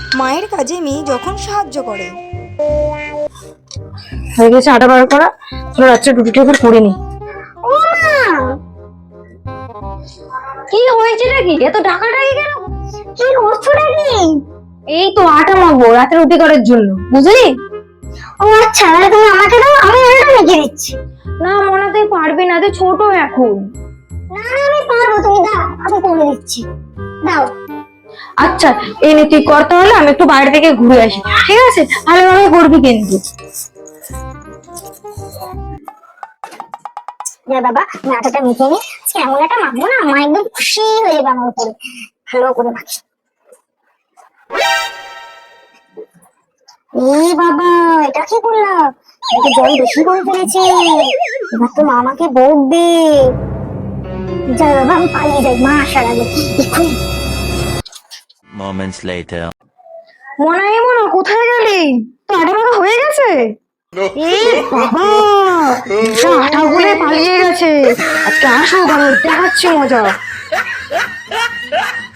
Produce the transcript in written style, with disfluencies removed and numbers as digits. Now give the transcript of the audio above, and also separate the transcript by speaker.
Speaker 1: মায়ের কাজে মেয়ে যখন সাহায্য করে।
Speaker 2: হয়ে গেছে আটা বার করা, চলো রাত্রে রুটিটা এবার করে নি।
Speaker 3: ও মা,
Speaker 2: কি হয়েছে নাকি এত ডাকাডাকি কেন?
Speaker 3: কি করছো নাকি?
Speaker 2: এই তো আটা মাখবো রাতে রুটি করার জন্য, বুঝলি?
Speaker 3: ও আচ্ছা, তাহলে তুমি আমাকে দাও, আমি ওটা মেখে দিচ্ছি।
Speaker 2: না মনে তুই পারবি না, তুই ছোট এখন।
Speaker 3: না না, আমি পারবো, তুমি দাও, আমি করে দিচ্ছি, দাও।
Speaker 2: আচ্ছা এই নে তুই কর, তাহলে আমি একটু বাইরে থেকে ঘুরে আসি, ঠিক আছে? ভালোভাবে করবি কিন্তু।
Speaker 3: যা বাবা, আমি আটাটা মেখে নি, আজকে এমন একটা মাখবো না, মা একদম খুশি হয়ে যাবে আমার উপরে। ভালো করে মাখি। এ বাবা, এটা কি করলাম? এটা জল বেশি করে ফেলেছে, এবার তো মা আমাকে বকবে। যাই বাবা, আমি পালিয়ে যাই মা আসার আগে এক্ষুনি।
Speaker 4: Moments later.
Speaker 2: মনে কোথায় গেলি? তো আটা মাখা হয়ে গেছে? এ বাবা, আটা গুলে পালিয়ে গেছে। আজকে আসো ঘরে দেখাচ্ছি মজা।